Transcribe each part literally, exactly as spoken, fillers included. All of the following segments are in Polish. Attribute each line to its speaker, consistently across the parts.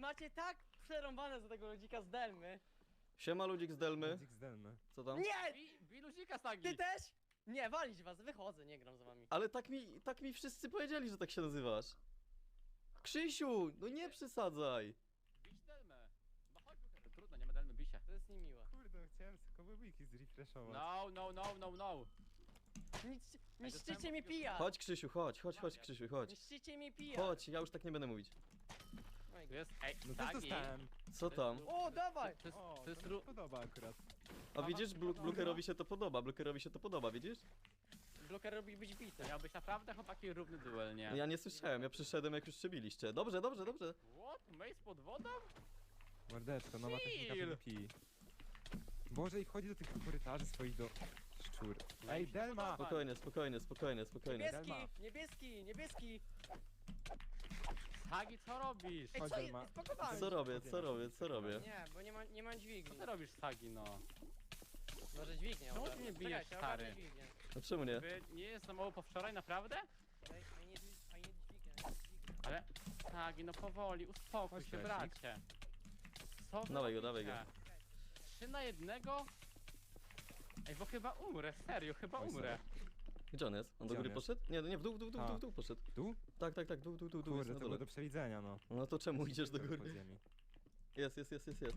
Speaker 1: macie tak przerąbane za tego ludzika z Delmy.
Speaker 2: Siema ludzik z Delmy.
Speaker 3: Ludzik zdalny.
Speaker 2: Co tam?
Speaker 1: Nie!
Speaker 4: Bi, bi luzika Sagi.
Speaker 1: Ty też? Nie, walić was, wychodzę, nie gram z wami.
Speaker 2: Ale tak mi, tak mi wszyscy powiedzieli, że tak się nazywasz. Krzysiu, no nie przesadzaj.
Speaker 4: Bić Delmę. No chodź, Luker, trudno, nie ma Delmy, bij się.
Speaker 1: To jest niemiłe.
Speaker 3: Kurde, chciałem tylko wiki zrefreshować.
Speaker 4: No, no, no, no, no.
Speaker 1: Niszczy,
Speaker 4: Ej,
Speaker 1: niszczycie
Speaker 4: dostałem
Speaker 1: mi
Speaker 4: takiego-
Speaker 1: pija!
Speaker 2: Chodź Krzysiu, chodź, chodź, chodź Krzysiu, chodź.
Speaker 1: Niszczycie mi pija!
Speaker 2: Chodź, ja już tak nie będę mówić.
Speaker 1: Oj,
Speaker 4: Tu jest, ej,
Speaker 3: No też
Speaker 4: Sagi.
Speaker 3: dostałem.
Speaker 2: Co tam?
Speaker 1: O, dawaj!
Speaker 4: To jest,
Speaker 3: O,
Speaker 4: to jest
Speaker 3: to mi
Speaker 4: ru...
Speaker 3: się podoba akurat.
Speaker 2: A widzisz, Blu Blukerowi się to podoba, Blukerowi się to podoba, widzisz?
Speaker 1: Bloker robi być bity.
Speaker 4: To miał być naprawdę chłopaki równy duel, nie?
Speaker 2: Ja nie słyszałem, ja przyszedłem jak już przebiliście. Dobrze, dobrze, dobrze.
Speaker 4: What? Mace pod wodą?
Speaker 3: Mordeczko, nowa technika
Speaker 4: Chill.
Speaker 3: PvP. Boże, i wchodzi do tych korytarzy swoich do szczur. Ej, Delma!
Speaker 2: Spokojnie, spokojnie, spokojnie, spokojnie.
Speaker 1: Niebieski,
Speaker 3: Delma.
Speaker 1: niebieski, niebieski!
Speaker 4: Sagi, co robisz?
Speaker 1: Ej,
Speaker 3: Chodź,
Speaker 1: co
Speaker 3: Delma.
Speaker 1: jest? Spakowałem!
Speaker 2: Co robię, co robię, co robię?
Speaker 1: Nie, bo nie ma, nie mam dźwigni.
Speaker 4: Co ty robisz, Sagi, no?
Speaker 1: Może dźwignię.
Speaker 4: Czemu
Speaker 1: ogarnę.
Speaker 4: ty mnie bijesz,
Speaker 1: Czekajcie,
Speaker 4: stary?
Speaker 1: ogarnę dźwignię.
Speaker 2: No czemu nie?
Speaker 4: Wy nie jest za mało po wczoraj, naprawdę?
Speaker 1: Daj, a nie, a nie dźwignię, a nie dźwignię.
Speaker 4: Ale... Sagi, no powoli, uspokój
Speaker 3: Chodź,
Speaker 4: się,
Speaker 3: Lesik.
Speaker 4: bracie. Co wy
Speaker 2: Dawaj go,
Speaker 4: robicie?
Speaker 2: dawaj
Speaker 4: Trzy na jednego? Ej, bo chyba umrę, serio, chyba
Speaker 3: Oj,
Speaker 4: umrę.
Speaker 2: Gdzie on jest? On do
Speaker 3: Gdzie on
Speaker 2: góry
Speaker 3: jest?
Speaker 2: poszedł? Nie, nie, w dół, w dół, w dół, w dół, w dół poszedł.
Speaker 3: Tu?
Speaker 2: Tak, tak, tak, dół, dół, dół, dół jest
Speaker 3: Kurde,
Speaker 2: na
Speaker 3: to było
Speaker 2: dole.
Speaker 3: do przewidzenia, no.
Speaker 2: No to czemu idziesz do
Speaker 3: Pod
Speaker 2: góry?
Speaker 3: ziemi.
Speaker 2: Jest, jest, jest, jest, jest.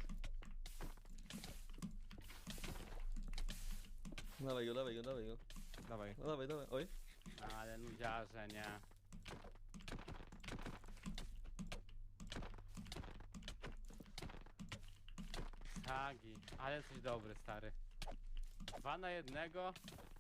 Speaker 2: Dawaj go, dawaj go, dawaj go.
Speaker 3: Dawaj.
Speaker 2: No dawaj, dawaj, oj.
Speaker 4: Ale nudziarze, nie. Sagi, ale jesteś dobry, stary. Dwa na jednego.